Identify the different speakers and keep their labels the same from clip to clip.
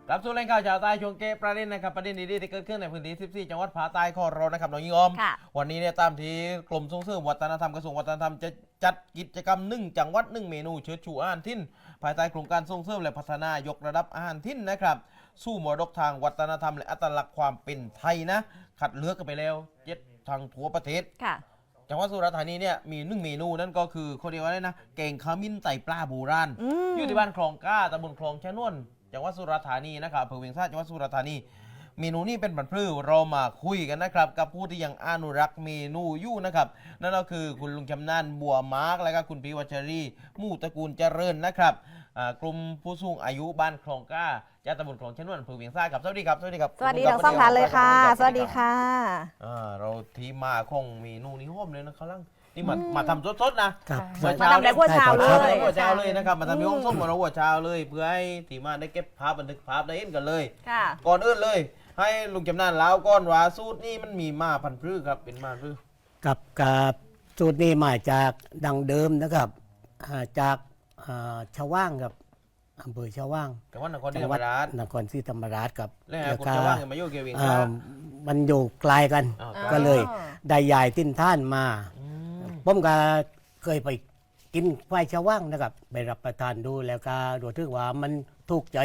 Speaker 1: กลับสู่รายการข่าวชาวใต้ช่วงเกประเด็นนะครับประเด็นดีๆที่เกิดขึ้นในพื้นที่14จังหวัดภาคใต้ของเรานะครับน้องยิงออมวันนี้เนี่ยตามที่กรมส่งเสริมวัฒนธรรมกระทรวงวัฒนธรรมจะจัดกิจกรรม1จังหวัด1เมนูเชิดชูอาหารถิ่นภายใต้โครงการส่งเสริมและพัฒนายกระดับอาหารถิ่นนะครับสู่มรดกทางวัฒนธรรมและอัตลักษณ์ความเป็นไทยนะคัดเลือกกันไปแล้ว7ทางทั่วประเทศจังหวัดสุราษฎร์ธานีเนี่ยมี1เมนูนั่นก็คือเขาเรียกว่าอะไรนะแกงขมิ้นไตปลาโบราณอยู่ที่บ้านคลองก้าตำบลคลองชะนวนจังหวัดสุราษฎร์ธานีนะครับอำเภอเวียงสะจังหวัดสุราษฎร์ธานีเมนูนี้เป็นบรรพลือเรามาคุยกันนะครับกับผู้ที่ยังอนุรักษ์เมนูอยู่นะครับนั่นก็คือคุณลุงชำนาญบัวมาร์กและก็คุณพี่วัชรีมู่ตระกูลเจริญนะครับกลุ่มผู้สูงอายุบ้านคลองก้าจากตำบลคลองชะนวนอำเภอเวียงสะครับสวัสดีครับสวัสดีครับ
Speaker 2: สวัสดีทั้งสองท่านเลยค่ะสวัสดีค่ะ
Speaker 1: เราที่มาคงเมนูนี้ห้อมเลยนะครับนี่มาทำสดๆนะ
Speaker 2: มาทำในหัวเช้าเลย
Speaker 1: หัวเช้าเลยนะครับมาทำที่ห้องส้มของเราหัวเช้าเลยเพื่อให้ทีมาได้เก็บภาพบันทึกภาพได้เห็นกันเลยก่อนอื่นเลยให้ลุงจำนานเล่าก้อนว่าสูตรนี่มันมีมาพันธุ์พืชครับเป็นมาพันธุ์พืช
Speaker 3: กับสูตรนี้มาจากดังเดิมนะครับจากชาวว่างกับอำเภอชาวว่าง
Speaker 1: จังหวัดนครศรีธรรมราช
Speaker 3: นครศรีธรรมราชกับ
Speaker 1: แล้วคนชาวว่างมาอยู่เกี่ยวกับ
Speaker 3: มันอยู่ไกลกันก็เลยได้ยายติ้นท่านมาผมก็เคยไปกินควายชาวว่างนะครับไปรับประทานดูแล้วก็รู้สึกว่ามันถูกใจ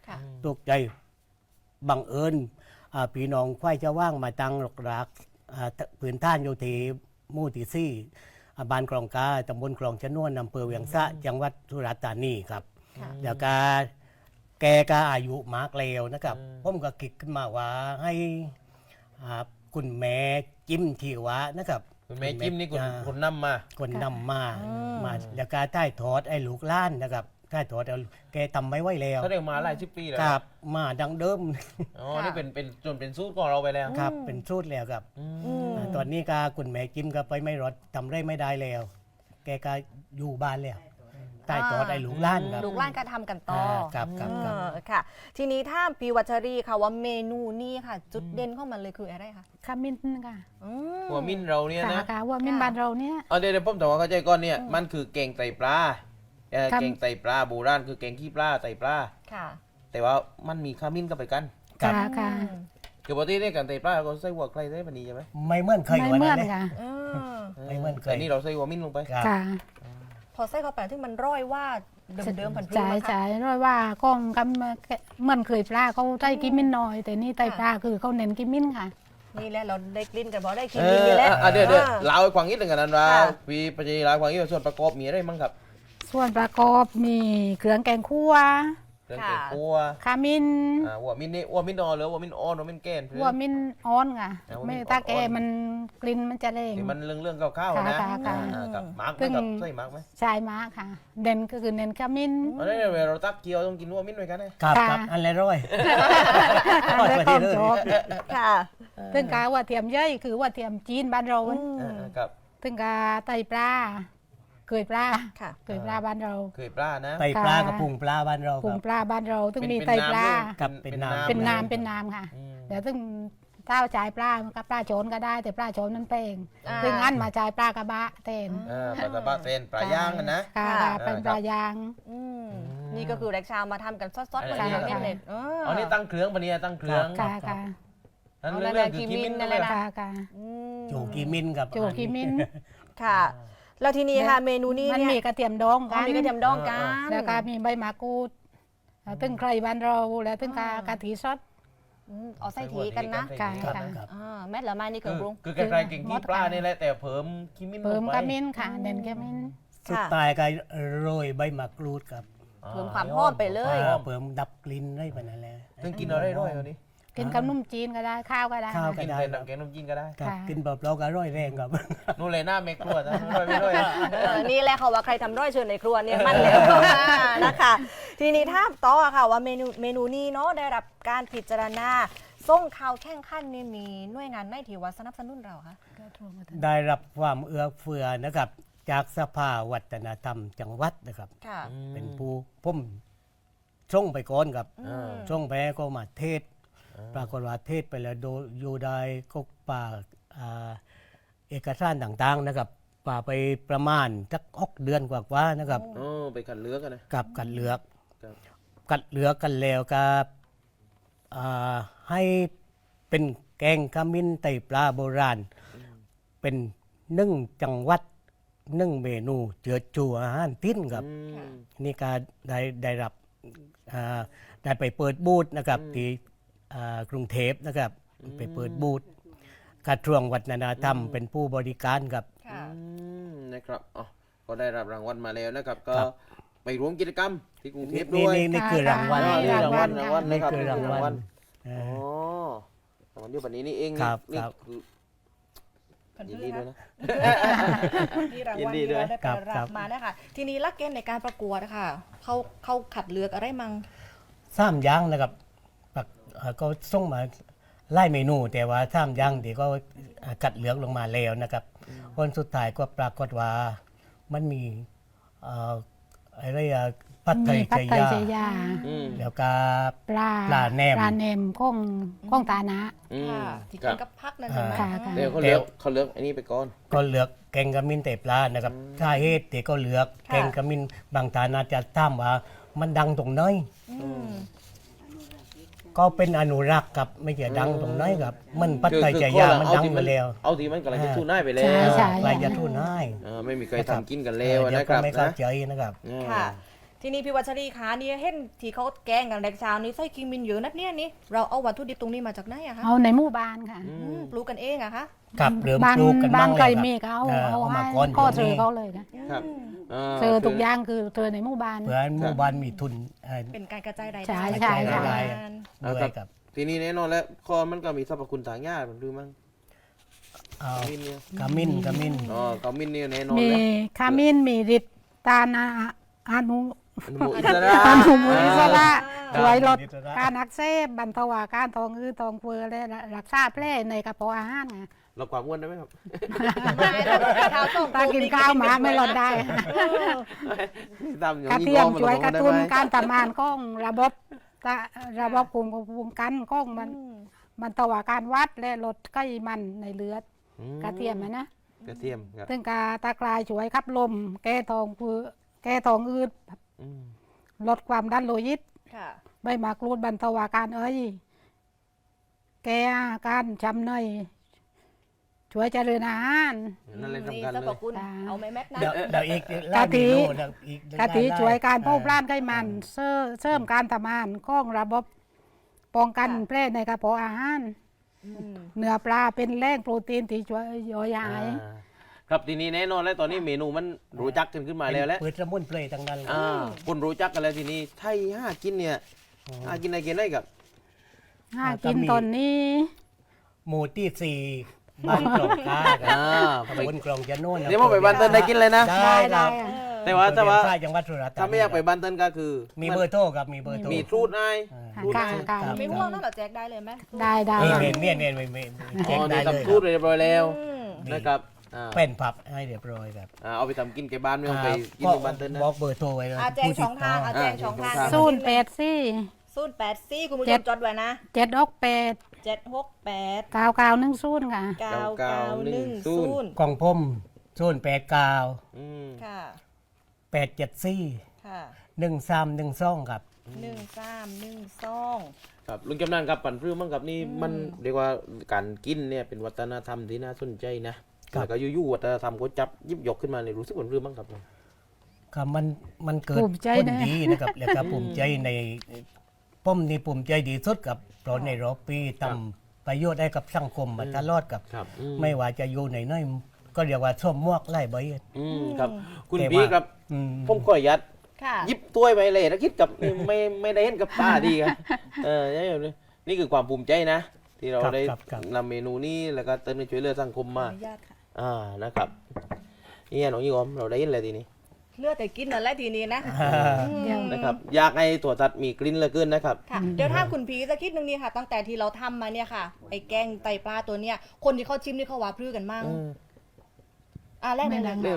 Speaker 3: บังเอิญพี่น้องควายชาวว่างมาตั้งหลักรักพื้นท่านอยู่ที่หมู่ที่สี่บ้านคลองกาตำบลคลองชะนวนอำเภอเวียงสะจังหวัดสุราษฎร์ธานีครับแล้วก็แกก็อายุมากแล้วนะครับผมก็คิดขึ้นมาว่าให้คุณแม่จิ้มที่วะนะครับ
Speaker 1: คุณแม่จิ้มนี่คนนำมา
Speaker 3: แล้วก็ใต้ทอดไอ้ลูกล้านนะครับใต้ทอดแกทำไม่ไหวแล้ว
Speaker 1: เขาเรียกมาหลาย10 ปีแล้ว
Speaker 3: ครับมาดังเดิม
Speaker 1: นี่เป็นจนเป็นสูตรของเราไปแล้ว
Speaker 3: ครับเป็นสูตรแล้วครับตอนนี้ก็คุณแม่จิ้มก็ไปไม่รอดทำได้ไม่ได้แล้วแกก็อยู่บ้านแล้วใต้ทอดไอ้ลูกล้านครับ
Speaker 2: ลูกล้านก็ทำกันต่อ
Speaker 3: ครับ
Speaker 2: ค่ะทีนี้ถ้าปีวัชรีค่ะว่าเมนูนี้ค่ะจุดเด่นของมันเลยคืออะไรคะ
Speaker 4: ขมิ้นค่ะ
Speaker 1: หัวมิ้นเราเนี่ยนะ
Speaker 4: หัวมิ้นบ้านเราเนี่ย
Speaker 1: เดี๋ยวผมแต่ว่าเข้าใจก่อนเนี่ยมันคือแกงไตปลาแกงไตปลาโบราณคือแกงขี้ปลาไตปลาแต่ว่ามันมีขมิ้นก็ไปกัน
Speaker 4: ค่ะ
Speaker 1: คือปกติเนี่ยกันไตปลาเราใส่หัวใครได้ปนี้ใช่ไหม
Speaker 3: ไม่เหมือนเคย
Speaker 4: วันนั้น
Speaker 3: ค่ะไม่เหมือนเคย
Speaker 1: นี่เราใส่หัวมิ้นลงไป
Speaker 4: ค่ะ
Speaker 2: พอใส่เข้าไปที่มันร้อยว่าเดิมๆผันพืช
Speaker 4: จ่ายร้อยว่าก้องกำเหมือนเคยปลาเขาใส่กิมมินน้อยแต่นี่ไตปลาคือเขาเน้นกิมมินค่ะ
Speaker 2: นี่แหละเราได้กลิ่นกันเพราะได้กินนี่แหละ
Speaker 1: เดี๋ยวเล่าให้ฟังนิดหนึ่งกันนั้นว่าพี่ปัจจัยเล่าให้ฟังนิดส่วนประกอบมีอะไรมั้งครับ
Speaker 4: ส่วนประกอบมีเครื่องแกงคั่ว
Speaker 1: เครื่องแกงคั่ว
Speaker 4: ขมิ้น
Speaker 1: หัวมิ้นนี่หัวมิ้นอ่อนหรือหัวมิ้นอ่อนหัวมิ้นแก่น
Speaker 4: หัวมิ้นอ่อนค่ะไม่ถ้าแกมันกลิ่นมันจะแรง
Speaker 1: มันเรื่องข้าวๆนะกับมาร์กกับใส่มาร์กไหม
Speaker 4: ใช่มาร์กค่ะเด่นก็คือเน้นขมิ้น
Speaker 1: อันนี้เวลาเราตักเกี๊ยวต้องกินหัวมิ้นไว้กัน
Speaker 3: นะครับอันไรร้อย
Speaker 4: แล้วก็จบค่ะถึงกาว่าเทียมย่อยคือว่าเทียมจีนบ้านเรา
Speaker 1: ครับ
Speaker 4: ถึงกาไตปลาเคยปลาเคยปลาบ้านเรา
Speaker 1: เคยปลานะ
Speaker 3: ไตปลากับพุงปลาบ้านเรา
Speaker 4: พุงปลาบ้านเราถึงมีไตปลา
Speaker 3: กับเป็น
Speaker 4: น้ำค่ะเดี๋ยวถึงเต้าจ่ายปลากับปลาโจนก็ได้แต่ปลาโจนนั้นเป่งถึงงั้นมาจ่ายปลากระบะเต้น
Speaker 1: ปลากระบะเต้นปลาย่างนะ
Speaker 4: เป็นปลาย่าง
Speaker 2: นี่ก็คือแรกชาวมาทำกันซดๆมาเล่นเลย
Speaker 1: อ๋อนี่ตั้งเครื่องปะเนี่ยตั้งเครื่อง
Speaker 4: ค่ะ
Speaker 1: นั่นเรื่องคือกิมินนั่นแหละ
Speaker 3: โจกิมินกับ
Speaker 4: โจกิมิน
Speaker 2: ค่ะแล้วทีนี้ค่ะเมนูนี้
Speaker 4: มันมีกระเทียมดองกัน
Speaker 2: มีกระเทียมดองกัน
Speaker 4: แล้วก็มีใบมะกรูดตึงไครบ้านเราแล้วตึงกะทิซอส
Speaker 2: เอาใส่ทีกันนะแม่ละไม้นี่เครื่องปรุง
Speaker 1: คือใครๆเก่งที่ปลานี่แหละแต่เพิ่มกิมิน
Speaker 4: เพิ่มกระมินค่ะเน้นกระมิน
Speaker 3: สุดท้ายก็โรยใบมะกรูดครับ
Speaker 2: เพิ่มความหอมไปเลย
Speaker 3: เพิ่มดับกลิ่นได้ปะนั่นแหละ
Speaker 1: ซึ่งกินอะไรร่อยวันนี้
Speaker 4: กินกับนุ่มจีนก็ได้ข้าวก็ได้
Speaker 1: กินเป็นแกงนุ่มจีนก็ได้
Speaker 3: กินแบบเราก็ร่อยแรงครับ
Speaker 1: นู่นเลยหน้าเมครัวนะร่อยไม่ร่อย
Speaker 2: นี่แหละเขาว่าใครทำร่อยเชิญในครัวเนี่ยมันแล้วนะคะทีนี้ถ้าต่อค่ะว่าเมนูนี้เนาะได้รับการพิจารณาส่งข่าวแข่งขันนี่มีหน่วยงานไหนที่ว่าสนับสนุนเราคะ
Speaker 3: ได้รับความเอื้อเฟื้อนะครับจากสภาวัฒนธรรมจังหวัดนะครับเป็นผู้ผมส่งไปก่อนครับส่งไปก็มาเทศปรากฏว่าเทศไปแล้วอยู่ได้ก็ป่าเอกสารต่างๆนะครับป่าไปประมาณสัก6 เดือนกว่าๆนะครับ
Speaker 1: ไปกัดเลือกกันนะ
Speaker 3: กับกัดเลือกกันแล้วก็ให้เป็นแกงขมิ้นไตปลาโบราณ เป็นนึ่งจังหวัดนึ่งเมนูเจือจูอาหารทิ้นครับ นี่ก็ได้รับได้ไปเปิดบูธนะครับที่กรุงเทพนะครับไปเปิดบูธกระทรวงวัฒนธรรมเป็นผู้บริการครับ
Speaker 2: ค่ะ
Speaker 1: นะครับอ๋อก็ได้รับรางวัลมาแล้วนะครับ ก็
Speaker 3: ครับ
Speaker 1: ไปร่วมกิจกรรมที่กรุงเทพ
Speaker 3: นี่
Speaker 1: ด้วย
Speaker 3: นี่คือรางวัล
Speaker 1: อ๋อนี่
Speaker 3: นี่
Speaker 1: รางวัล
Speaker 4: ค่ะ
Speaker 1: รางวัล
Speaker 3: นี่
Speaker 1: นะครับ
Speaker 3: คือรางวัล
Speaker 1: อ๋อรางวัลอยู่แบบนี้นี่เอง
Speaker 3: ครับ
Speaker 1: นี่
Speaker 3: ครับ
Speaker 1: คือยินดีด้วยนะ
Speaker 2: ที่ราง
Speaker 1: ยิ
Speaker 2: วัล
Speaker 1: นดี
Speaker 2: ที่
Speaker 1: ด้วย
Speaker 2: เราได้ไป
Speaker 3: ครั
Speaker 2: รั
Speaker 3: บบ
Speaker 2: มานะคะทีนี้หลักเกณฑ์ในการประกวดนะคะเขาขัดเลือกอะไรมั่ง
Speaker 3: สามอย่างนะครับก็ส่งมาไล่เมนู แต่ว่าสามอย่างที่ก็กัดเหลือกลงมาแล้วนะครับวันสุดท้ายก็ปรากฏว่ามันมีอะไรผัดไท
Speaker 4: มี
Speaker 3: ย
Speaker 4: ผัด
Speaker 3: ช
Speaker 4: ไทย
Speaker 3: ยา
Speaker 4: เจยา
Speaker 1: อืม
Speaker 3: แล้วก็
Speaker 4: ปลา
Speaker 3: ปลาแหนม
Speaker 4: ปลาแหนมข้องตานะ
Speaker 1: อืม
Speaker 2: ค่ะที่
Speaker 1: ครั
Speaker 2: กิ
Speaker 1: บ
Speaker 2: นกับพักนั่นใช่ไหม
Speaker 4: ค่ะค่ะ
Speaker 1: เดี๋ยวเขาเลือกอันนี้ไปก่อน
Speaker 3: ก็เหลือกแกงกะมินแต่ปลานะครับถ้าเหตุที่ก็เหลือกแกงกะมินบางตานาจะถามว่ามันดังตรงไหน
Speaker 2: อืม
Speaker 3: ก็เป็นอนุรักษ์ครับไม่ใช่ดังตรงไหนครับมันปัตไตชยามันดังมาแล้ว
Speaker 1: เอาที่มันกำลังจะทู่หน้าไปแล้
Speaker 4: ใช่
Speaker 1: ว
Speaker 4: ใช่
Speaker 3: ลายยาทุ่นให้
Speaker 1: ไม่มีใครทำกินกันแล้ว
Speaker 3: เดี๋ยว
Speaker 1: นะค
Speaker 3: ก็
Speaker 1: รับ
Speaker 3: ไม่เข้า
Speaker 1: นะ
Speaker 3: ใจนะครับ
Speaker 2: ค่ะ ทีนี้พี่วัชรีคะนี่เห็นที่เขาแกงกันแดกเช้านี้ไส้คิงมินเยอะนัดเนี่ยนี่เราเอาวัตถุดิบตรงนี้มาจากไหนอะคะ
Speaker 4: เอาในหมู่บ้านค่ะ
Speaker 2: ปลูกกันเองอะคะ
Speaker 3: ครับเริ่ม
Speaker 4: บ้าน
Speaker 3: ปลูกกัน
Speaker 4: บ้า
Speaker 3: บ้าน ง
Speaker 4: ไก่
Speaker 3: แล้ว
Speaker 4: มี
Speaker 3: ค
Speaker 4: ก็
Speaker 3: รับ
Speaker 4: เอา
Speaker 3: มา
Speaker 4: ให้
Speaker 3: ก่อน
Speaker 4: ก็
Speaker 3: เดี๋
Speaker 4: เจ
Speaker 3: ยว
Speaker 4: อ
Speaker 3: นี้
Speaker 4: เขาเลยค่ะ
Speaker 1: ครับ
Speaker 4: เจอทุกอย่างคือเจอในหมู่บ้าน
Speaker 3: เพื่อให้หมู่บ้านมีทุน
Speaker 2: เป็นการกระจายราย
Speaker 4: ใช่
Speaker 2: ได้
Speaker 4: ใช่
Speaker 2: กระจาย
Speaker 3: ใช่
Speaker 2: งาน
Speaker 3: ด้วยครับ
Speaker 1: ทีนี้แน่นอนแล้วคอมันก็มีสรรพคุณทางยาผมดูมั้ง
Speaker 3: เอา
Speaker 1: มินเนี่ย
Speaker 3: กะมิน
Speaker 1: อ๋อกามินเนี่ยแน่นอน
Speaker 4: มี
Speaker 1: แล้ว
Speaker 4: ขมิ้นมีฤทธิ์ตานอนุ
Speaker 1: อนุโมอิสระ
Speaker 4: อนุมูลอิสระ
Speaker 3: ครับ
Speaker 4: ช่วยลด
Speaker 3: อิสระ
Speaker 4: การอักเสบบรรเทาอาการท้องอืดท้องเฟ้อและรักษาแผลในกระเพาะอาหารไง
Speaker 1: ลดความอ้วนได้ไหมครับ
Speaker 2: ไม่แต่ว่าข้าวต้ม
Speaker 4: ตากินข้าวหมาไม่ลดได้
Speaker 1: ตามอย่าง
Speaker 4: กระ
Speaker 1: นี้
Speaker 4: เทียม
Speaker 1: ก็
Speaker 4: ช่วยกระตุ้น
Speaker 1: ได้ไหม
Speaker 4: การทำงานของระบบภูมิกันของมันตวาการวัดและลดไขมันในเลือด
Speaker 1: อื
Speaker 4: กระเทียมนะ
Speaker 1: กระเทียมครับ
Speaker 4: ซึ่งกาตากลายช่วยขับลม แก้ท้องอืด
Speaker 1: อืม
Speaker 4: ลดความดันโลหิต
Speaker 2: ค่ะ
Speaker 4: ใบมะกรูดบรรเทาอาการแก้อาการช้ำในช่วยเจริญอาหาร
Speaker 1: นั่นเลย
Speaker 2: นี่
Speaker 1: สำคัญ
Speaker 2: สรร
Speaker 1: เล
Speaker 2: พ
Speaker 1: ย
Speaker 2: คุณเอาไหมแม็กนะ
Speaker 3: เดี๋ยวอีก
Speaker 4: กะทิ
Speaker 3: ไล่เมนูเดี๋ยวอี
Speaker 4: กะทิ
Speaker 3: ไล่
Speaker 4: ช่วยการเผา
Speaker 3: เออ
Speaker 4: ผลาญไขมันเสริมการทำงานของระบบป้องกันแผลในกระเพาะอาหาร เนื้อปลาเป็นแหล่งโปรตีนที่ช่วยย่อยอาหาร
Speaker 1: ครับทีนี้แน่นอนแล้วตอนนี้เมนูมันรู้จักกันขึ้นมาแล้วแหละ
Speaker 3: เปิดสมุนไพรทั้งนั้น
Speaker 1: คนรู้จักกันแล้วทีนี้ไทยห้ากินเนี่ยห้ากินอะไรกินได้กับ
Speaker 4: กินตอนนี้
Speaker 3: หมู่ที่สี่บ้านกรองกาครับตำบลกรองจะโน่น
Speaker 1: เดี๋ยวมาไปบันเทิงได้กินเลยนะ
Speaker 3: ได้ครับ
Speaker 1: แต่ว่าแต่ว่า
Speaker 3: เปิดเรียนค่ายจังหวัดสุราษฎร์ธานี
Speaker 1: ถ้าไม่อยากไปบันเทิงก็คือ
Speaker 3: มีเบอร์โทรครับมีเบอร์โทร
Speaker 1: มีทรูดไอ้
Speaker 4: ค่ะ
Speaker 1: รูด
Speaker 4: กา
Speaker 1: ไอ้
Speaker 4: รกา
Speaker 3: ครับ
Speaker 2: ไม่ห่วงนั่นเหรอแจกได้เลยไหม
Speaker 4: ได้ได้
Speaker 3: เมียนแจ้ง
Speaker 1: อ๋อ
Speaker 3: ได้
Speaker 1: นี่
Speaker 3: เลย
Speaker 1: ทำทรูดเรียบร้อยแล้วนะครับอ่า
Speaker 3: เป็นผับให้เรียบร้อยครับ
Speaker 1: เอาไปทำกินแกบ้านไม่ต้องไปกิน
Speaker 3: ก็
Speaker 1: ที่บันเทิงนะ
Speaker 3: บอกเบอร์โทรไว้นะ
Speaker 2: แจงสองทางแจงสองทาง
Speaker 4: ศูนย์แปดสี่
Speaker 2: 084คุณผู้ชมจดไว้นะ
Speaker 4: 768
Speaker 2: 768
Speaker 4: 9910ค่ะ
Speaker 2: 9910
Speaker 3: กล่องพม089
Speaker 1: อืม
Speaker 2: ค่ะ
Speaker 3: 874
Speaker 2: ค่ะ
Speaker 3: 1312ครับ
Speaker 2: 1312
Speaker 1: ครับลุงกำนันครับปั่นพื้นมั้งครับนี่มันเรียกว่าการกินเนี่ยเป็นวัฒนธรรมที่น่าสนใจนะแล้วก็อยู่ๆวัฒนธรรมก็จับยิบยกขึ้นมาเนี่ยรู้สึกปั่นพื้นมั้งครับ
Speaker 3: ครับมันเกิด
Speaker 4: ภูมิใจ
Speaker 3: คน
Speaker 4: นะ
Speaker 3: ดีนะครับแล้วก็ภูมิใจในป้อมนี่ภูมิใจดีสุดกับเพราะในรอบปีทำประโยชน์ให้กับสังคมมาตลอดกับ
Speaker 1: ครับ
Speaker 3: ไม่ว่าจะอยู่ในน้อยก็เรียกว่าส้มมวกไล่ใบ
Speaker 1: ครับคุณ
Speaker 3: แต่ว่า
Speaker 1: พี่ครับ
Speaker 3: อืม
Speaker 1: ผมก็ยัด
Speaker 2: ค่ะ
Speaker 1: ยิบถ้วยไปเลยแล้วคิดกับ ไม่ได้เห็นกับตาดีครับนี่คือความภูมิใจนะ ที่เราได้นำเมนูนี้แล้วก็เติมในช่วยเหลือสังคม
Speaker 2: ขอ
Speaker 1: มา
Speaker 2: อนุญาตค่ะ
Speaker 1: นะครับนี่น้องยี่อมเราได้เห็นอะไรทีนี้
Speaker 2: เลือดแต่กินนั่นแหละทีนี้นะ
Speaker 1: นะครับอยากให้ถั่วตัดมีกลิ่นเหลือเกินนะครับ
Speaker 2: ค่ะเดี๋ยวถ้าคุณพีสักคิดนึงนี่ค่ะ ตั้งแต่ที่เราทำมาเนี่ยค่ะ ไอ้แกงไตปลาตัวเนี้ย คนที่เขาชิมนี่เขาว่าพลื้อกันมั่งแรกเลยนะ
Speaker 1: เรื่องเลย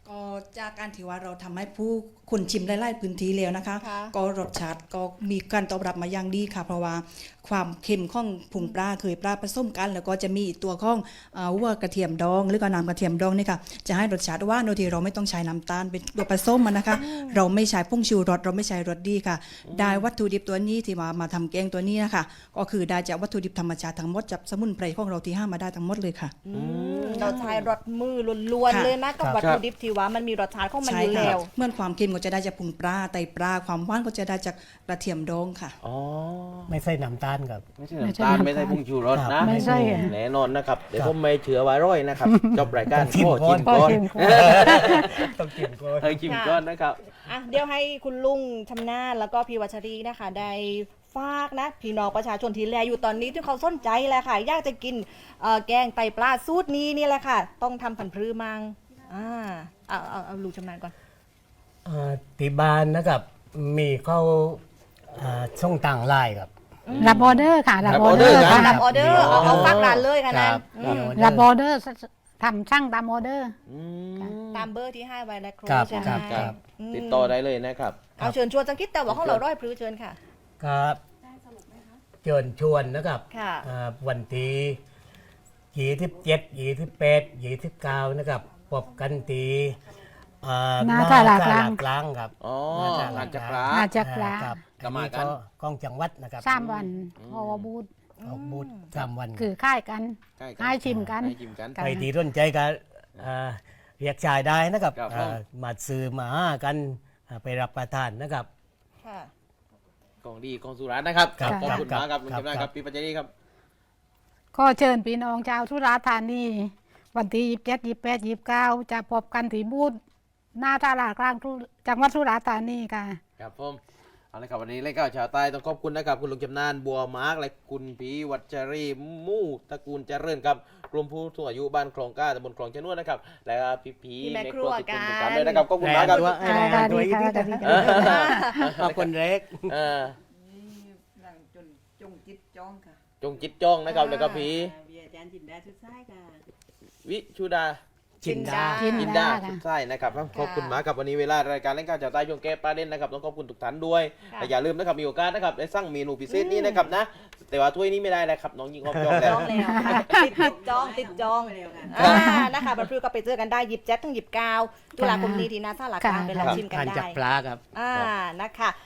Speaker 5: ก็จากการที่ว่าเราทำให้ผู้คนชิมไล่ๆพื้นที่แล้วนะคะ
Speaker 2: ค่ะ
Speaker 5: ก็รสชาติก็มีการตอบรับมาอย่างดีค่ะ เพราะว่าความเค็มของผงปลาเคยปลาผสมกัน แล้วก็จะมีตัวของวัวกระเทียมดอง หรือก็น้ำกระเทียมดองนี่ค่ะจะให้รสชาติหว่านโดยที่เราไม่ต้องใช้น้ำตาลเป็นตัวผสมมันนะคะ เราไม่ใช้ผงชูรสเราไม่ใช้รสดีค่ะ ได้วัตถุดิบตัวนี้ที่มาทำแกงตัวนี้นะคะก็คือได้จากวัตถุดิบธรรมชาติทั้งหมดจากสมุนไพรของเราที่ห้ามาได้ทั้งหมดเลยค่ะ
Speaker 2: เราใช้รสมือล้วนๆ
Speaker 5: ค่ะ
Speaker 2: เลยนะกับ
Speaker 3: ครับ
Speaker 2: วัตถุดิบที่ว่ามันมีรสชาติของมันอยู่
Speaker 5: ค่ะ
Speaker 2: แล้ว
Speaker 5: เมื่อความเค็มก็จะได้จากผงปลาไตปลาความหวานก็จะได้จากกระเทียมดองค่ะ
Speaker 1: อ๋อ
Speaker 3: ไม่ใส่น้ำตาลครับ
Speaker 1: ไม่ใช่น้ำตาลไม่ใช่ผงชูรสนะ
Speaker 4: ไม่ใช่อะ
Speaker 1: แน่นอนนะครับเดี๋ยวผมไม่เชื่อว่าร้อยนะครับจบรายการ
Speaker 3: ชิม
Speaker 1: โอ้
Speaker 3: ก่อน
Speaker 1: ชิมก่อน
Speaker 3: ต้องกินก่อน
Speaker 1: ให้ชิมก่อนนะครับ
Speaker 2: อ่ะเดี๋ยวให้คุณลุงชำนาญแล้วก็พี่วัชรีนะคะได้ฝากนะพี่น้องประชาชนที่แลอยู่ตอนนี้ที่เขาสนใจแหละค่ะอยากจะกินแกงไตปลาสูตรนี้นี่แหละค่ะ ต้องทำผันพรือมังเอาลุงชำนาญก่อน
Speaker 3: ที่บ้านนะครับมีเข้าช่องต่างไลน์ครับ
Speaker 4: รับออเดอร์ค่ะรับ
Speaker 1: รับ
Speaker 4: อ
Speaker 1: อ
Speaker 4: อ
Speaker 1: อ
Speaker 4: เด
Speaker 1: เด
Speaker 4: อ
Speaker 1: อร์
Speaker 4: ร์
Speaker 1: นะ
Speaker 4: ค่ะ
Speaker 2: รับออเดอร์เอาฝากร้านเลยค่ะนั่น
Speaker 3: ครับ
Speaker 2: อืม
Speaker 4: รับออเดอร์ทำช่างตามออเดอร์
Speaker 1: อืม
Speaker 2: ตามเบอร์ที่ให้ไว้และครู
Speaker 3: ครับ
Speaker 2: ใช่ไหม
Speaker 3: ครับ
Speaker 1: ครับ
Speaker 2: อืม
Speaker 1: ติดต่อได้เลยนะครับ
Speaker 2: เอาเชิญชวนสังคิดแต่ว่าของเราร้อยพรือเชิญค่ะ
Speaker 3: ครับเชิญชวนนะครับ
Speaker 2: ค่ะ
Speaker 3: วันที่27 28 29นะครับพบกันที่
Speaker 4: หน้าตลาดกลาง
Speaker 3: กลางครับ
Speaker 1: อ๋อ
Speaker 3: หน้าตลาด
Speaker 1: หลังจาก
Speaker 3: กลาง
Speaker 1: ร้า
Speaker 4: อาน จจะกลา
Speaker 3: ครับ
Speaker 1: ก็มากัน
Speaker 3: กล้องจังหวัดนะครับ
Speaker 4: 3 วันพอบูธ
Speaker 3: ออกบูธ3 วัน
Speaker 4: คือค่ายกัน
Speaker 1: ใกล้
Speaker 4: ให้ชิมกัน
Speaker 1: ให้ชิมกัน
Speaker 4: ครับ
Speaker 3: ใครที่สนใจก็เรียกชายได้นะครับ
Speaker 1: ครับ
Speaker 3: มาซื้อมาหากันไปรับประทานนะครับ
Speaker 2: ค่ะ
Speaker 1: ของดีของสุราษฎร์นะครับ
Speaker 3: ครับ
Speaker 1: ขอบคุณ
Speaker 3: ครับ
Speaker 1: มากครับลุง
Speaker 3: ครับ
Speaker 1: จำนานค
Speaker 3: ครั
Speaker 1: รับบ พี่ปัจจารีครับ
Speaker 4: ก็เชิญพี่น้องชาวสุราษฎร์ธานีวันที่27 28 29จะพบกันที่บูธหน้าตลาดกลางจังหวัดสุราษฎร์ธานีค่ะ
Speaker 1: ครับผมเอาละครับวันนี้รายการชาวใต้ต้องขอบคุณนะครับคุณลุงจำนานบัวมาร์กและคุณพีวัชรีมู่ตระกูลเจริญครับกลุ่มผู้สูงอายุบ้านคลองก้าตำบลคลองชะนวดนะครับและพี่พี
Speaker 2: พี่แม่
Speaker 1: ใน
Speaker 2: ครัว
Speaker 1: ทุกคนทุก
Speaker 2: กั
Speaker 1: ท่าน นเลยนะครับขอบคุณมากครับ
Speaker 3: ให้รายงานตัวอีกที
Speaker 4: สวัสดีค่ะ
Speaker 3: ขอบคุณเล็ก
Speaker 1: เออ
Speaker 6: หลังจงจิตจ้องค่ะ
Speaker 1: จงจิตจ้องนะครับแล้วก็พี
Speaker 6: เวียอาจารย์จินดาชุดซ้ายค่ะ
Speaker 1: วิชุดา
Speaker 3: จินดา
Speaker 4: จิน
Speaker 1: จิน
Speaker 4: ดา
Speaker 1: ดา
Speaker 4: ค่ะ
Speaker 1: ใช่นะครับขอบคุณมากครับวันนี้เวลารายการเล่นการจากใต้ช่วงแก้ประเด็นนะครับต้องขอบคุณทุกท่านด้วย
Speaker 2: ค่ะ
Speaker 1: แต่อย่าลืมนะครับมีโอกาสนะครับได้สั่งเมนูพิเศษนี้นะครับนะแต่ว่าถ้วยนี้ไม่ได้แล้วครับน้องยิงออฟจองแล้ว
Speaker 2: จองแล้วค่ะติดจองติดจอง
Speaker 6: ไปเร็วค่ะ
Speaker 2: นะคะบันพฤก็ไปเจอกันได้27 ถึง 29ตุลาคมนี้ที่หน้าศาลากลางไปลองชิมกัน
Speaker 3: ทาน
Speaker 2: ได้
Speaker 3: จากปลาครับ
Speaker 2: นะคะ